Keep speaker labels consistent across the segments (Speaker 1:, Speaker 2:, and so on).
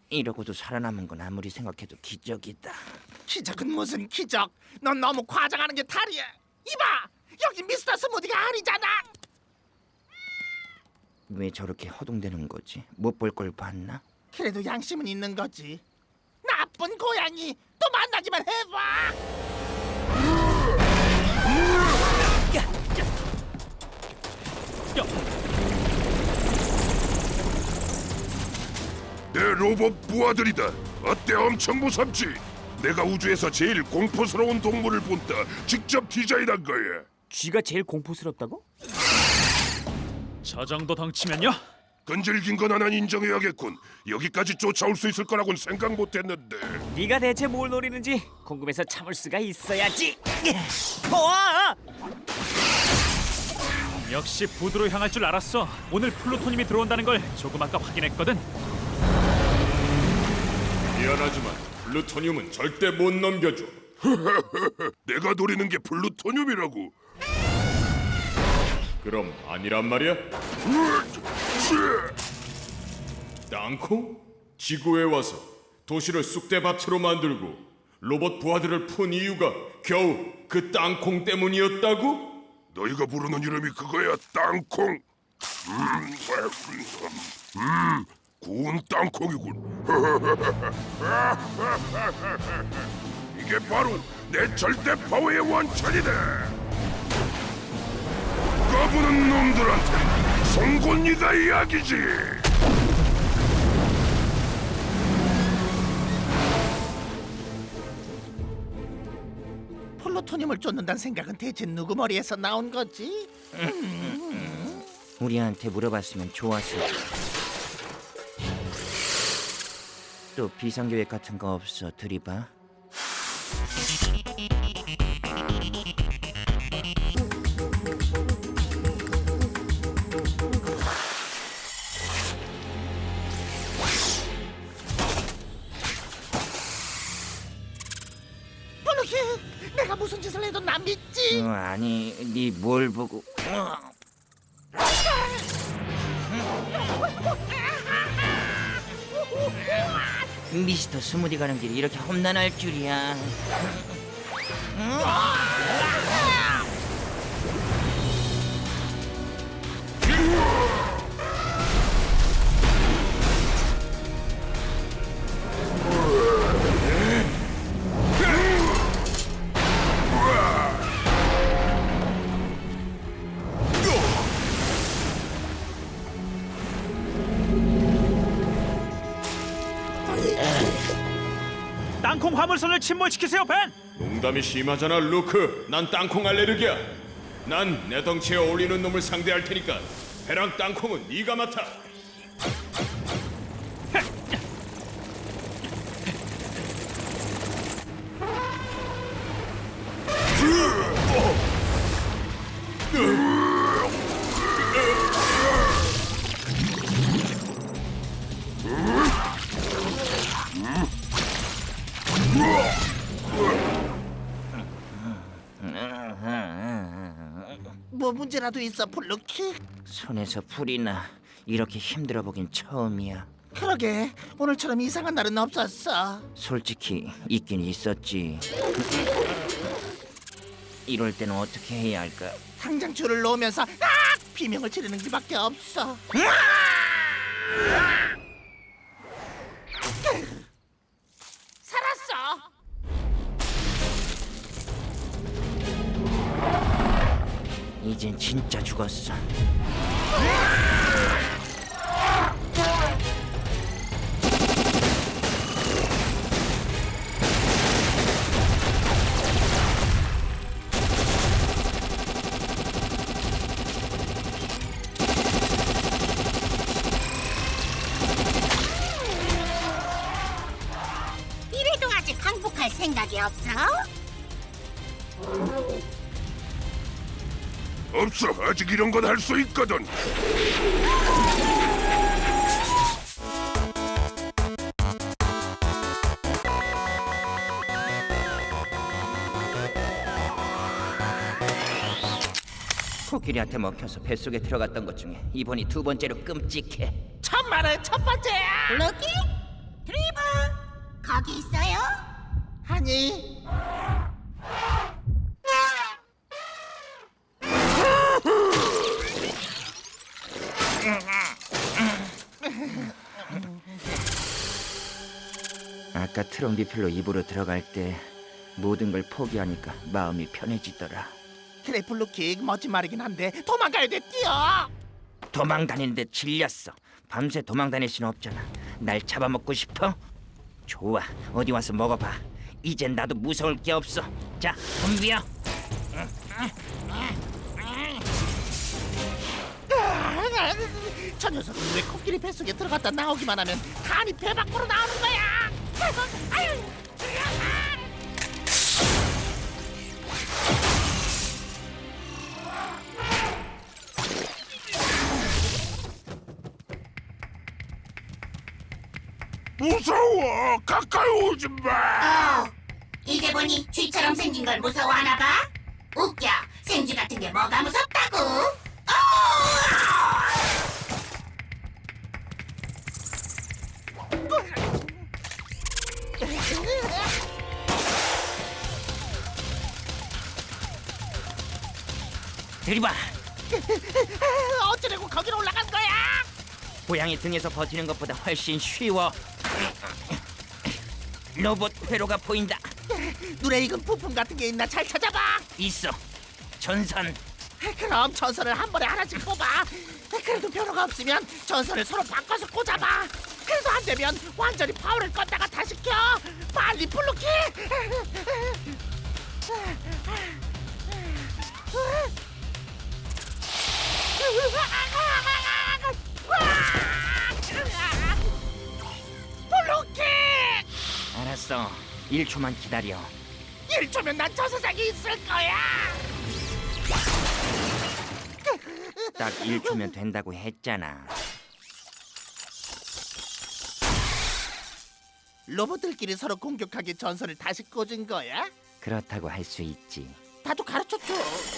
Speaker 1: 이러고도 살아남은 건 아무리 생각해도 기적이다.
Speaker 2: 기적은 무슨 기적? 넌 너무 과장하는 게 탈이야. 이봐, 여기 미스터 스무디가 아니잖아.
Speaker 1: 왜 저렇게 허둥대는 거지? 못 볼 걸 봤나?
Speaker 2: 그래도 양심은 있는 거지. 나쁜 고양이, 또 만나기만 해봐.
Speaker 3: 내 로봇 부하들이다. 어때? 엄청 무섭지? 내가 우주에서 제일 공포스러운 동물을 본다. 직접 디자인한 거야.
Speaker 4: 쥐가 제일 공포스럽다고?
Speaker 5: 저 정도 덩치면요?
Speaker 3: 끈질긴 건 하나 인정해야겠군. 여기까지 쫓아올 수 있을 거라고는 생각 못했는데.
Speaker 4: 네가 대체 뭘 노리는지 궁금해서 참을 수가 있어야지. 와!
Speaker 5: 역시 부두로 향할 줄 알았어. 오늘 플루토늄이 들어온다는 걸 조금 아까 확인했거든.
Speaker 6: 미안하지만 플루토늄은 절대 못 넘겨줘.
Speaker 3: 내가 노리는 게 플루토늄이라고.
Speaker 6: 그럼 아니란 말이야? 땅콩? 지구에 와서 도시를 쑥대밭으로 만들고 로봇 부하들을 푼 이유가 겨우 그 땅콩 때문이었다고?
Speaker 3: 너희가 부르는 이름이 그거야, 땅콩. 구운 땅콩이군. 이게 바로 내 절대 파워의 원천이다. 까부는 놈들한테 송곳니가 이야기지.
Speaker 2: 플루토늄을 쫓는다는 생각은 대체 누구 머리에서 나온 거지?
Speaker 1: 우리한테 물어봤으면 좋았을 텐데. 또 비상계획 같은 거 없어? 들이봐.
Speaker 2: 블루키, 내가 무슨 짓을 해도 난 믿지?
Speaker 1: 아니, 네 뭘 보고? 미스터 스무디 가는 길이 이렇게 험난할 줄이야.
Speaker 5: 땅콩 화물선을 침몰시키세요, 벤!
Speaker 6: 농담이 심하잖아, 루크. 난 땅콩 알레르기야. 난 내 덩치에 어울리는 놈을 상대할 테니까 배랑 땅콩은 네가 맡아.
Speaker 2: 뭐 문제라도 있어, 블루키?
Speaker 1: 손에서 불이 나. 이렇게 힘들어 보긴 처음이야.
Speaker 2: 그러게, 오늘처럼 이상한 날은 없었어.
Speaker 1: 솔직히 있긴 있었지. 이럴 때는 어떻게 해야 할까?
Speaker 2: 당장 줄을 놓으면서 비명을 지르는 수밖에 없어. 살았어.
Speaker 1: 이젠 진짜 죽었어.
Speaker 7: 이래도 아직 항복할 생각이 없어?
Speaker 3: 없어. 아직 이런 건 할 수 있거든.
Speaker 1: 코끼리한테 먹혀서 뱃속에 들어갔던 것 중에 이번이 두 번째로 끔찍해.
Speaker 2: 천만에 첫 번째야.
Speaker 7: 블루키? 드리버, 거기 있어요?
Speaker 2: 아니,
Speaker 1: 아까 트럼비필로 입으로 들어갈 때 모든 걸 포기하니까 마음이 편해지더라.
Speaker 2: 그래 블루킥 멋진 말이긴 한데 도망가야 돼. 뛰어.
Speaker 1: 도망 다니는데 질렸어. 밤새 도망 다닐 순 없잖아. 날 잡아먹고 싶어? 좋아, 어디 와서 먹어봐. 이젠 나도 무서울 게 없어. 자, 덤비야.
Speaker 2: 저 녀석은 왜 코끼리 뱃속에 들어갔다 나오기만 하면 간이 배 밖으로 나오는 거야. 아유.
Speaker 3: 무서워. 가까이 오지 마.
Speaker 7: 이제 보니 쥐처럼 생긴 걸 무서워하나 봐? 웃겨. 생쥐 같은 게 뭐가 무섭다고?
Speaker 1: 들이봐.
Speaker 2: 어쩌려고 거기로 올라간 거야?
Speaker 1: 고양이 등에서 버티는 것보다 훨씬 쉬워. 로봇 회로가 보인다.
Speaker 2: 눈에 익은 부품 같은 게 있나 잘 찾아봐.
Speaker 1: 있어. 전선.
Speaker 2: 그럼 전선을 한 번에 하나씩 꼽아. 그래도 변화가 없으면 전선을 서로 바꿔서 꽂아봐. 그래도 안 되면 완전히 파워를 껐다가 다시 켜. 빨리 블루킥. 블루킥.
Speaker 1: 알았어. 1초만 기다려.
Speaker 2: 1초면 난 저 세상에 있을 거야.
Speaker 1: 딱 1초면 된다고 했잖아.
Speaker 2: 로봇들끼리 서로 공격하게 전선을 다시 꽂은 거야?
Speaker 1: 그렇다고 할 수 있지.
Speaker 2: 나도 가르쳐줘.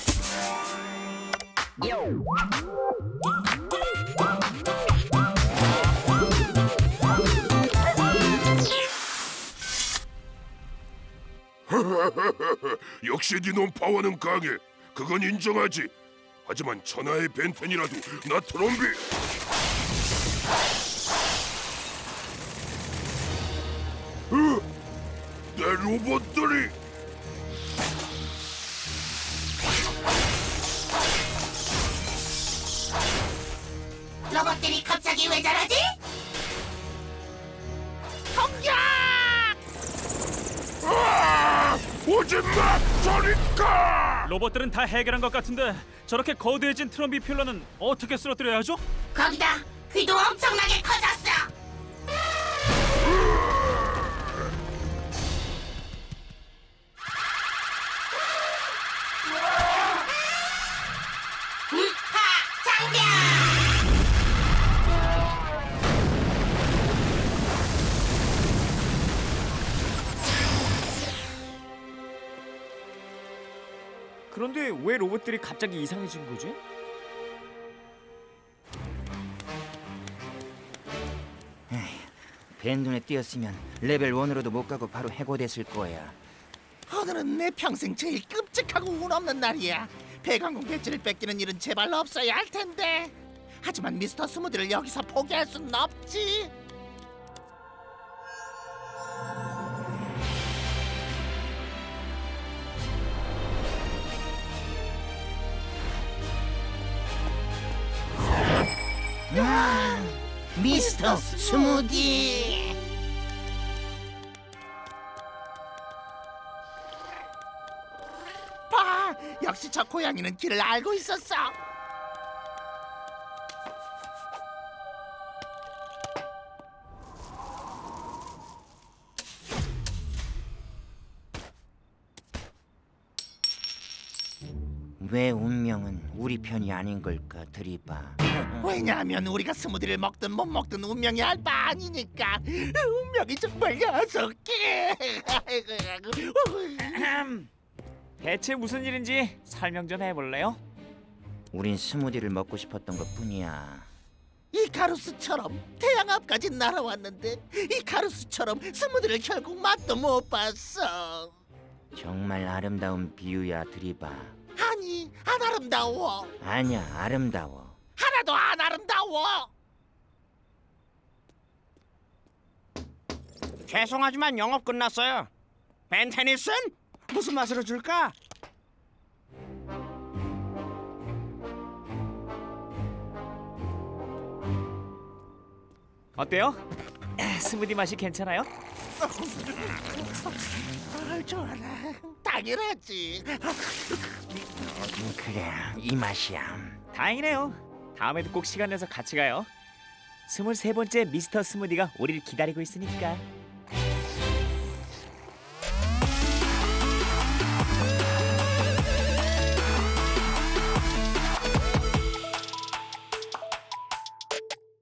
Speaker 3: 역시 니놈 파워는 강해. 그건 인정하지. 하지만 천하의 벤텐이라도 나 트롬비. 내 로봇들이.
Speaker 7: 로봇들이 갑자기 왜 저러지?
Speaker 2: 공격!
Speaker 3: 오지 마, 저리 가!
Speaker 5: 로봇들은 다 해결한 것 같은데 저렇게 거대해진 트럼비 필러는 어떻게 쓰러뜨려야 하죠?
Speaker 7: 거기다 귀도 엄청나게 커졌어. 장벽!
Speaker 4: 그런데 왜 로봇들이 갑자기 이상해진 거지?
Speaker 1: 벤 눈에 띄었으면 레벨 1으로도 못 가고 바로 해고됐을 거야.
Speaker 2: 오늘은 내 평생 제일 끔찍하고 운 없는 날이야. 배관공 배지를 뺏기는 일은 제발 없어야 할 텐데. 하지만 미스터 스무디를 여기서 포기할 수는 없지.
Speaker 1: 미스터 스무디.
Speaker 2: 봐, 역시 저 고양이는 길을 알고 있었어.
Speaker 1: 왜 운명은 우리 편이 아닌 걸까, 드리바.
Speaker 2: 왜냐하면 우리가 스무디를 먹든 못 먹든 운명이 알 바 아니니까. 운명이 정말 녀석해.
Speaker 4: 대체 무슨 일인지 설명 좀 해볼래요?
Speaker 1: 우린 스무디를 먹고 싶었던 것뿐이야.
Speaker 2: 이카루스처럼 태양 앞까지 날아왔는데 이카루스처럼 스무디를 결국 맛도 못 봤어.
Speaker 1: 정말 아름다운 비유야, 드리바.
Speaker 2: 아니, 안 아름다워.
Speaker 1: 아니야, 아름다워.
Speaker 2: 하나도 안 아름다워.
Speaker 8: 죄송하지만 영업 끝났어요. 벤 테니슨? 무슨 맛으로 줄까?
Speaker 4: 어때요? 스무디 맛이 괜찮아요?
Speaker 2: 좋아라. 당연하지.
Speaker 1: 그래, 이 맛이야.
Speaker 4: 다행이네요. 다음에도 꼭 시간 내서 같이 가요. 23번째 미스터 스무디가 우리를 기다리고 있으니까.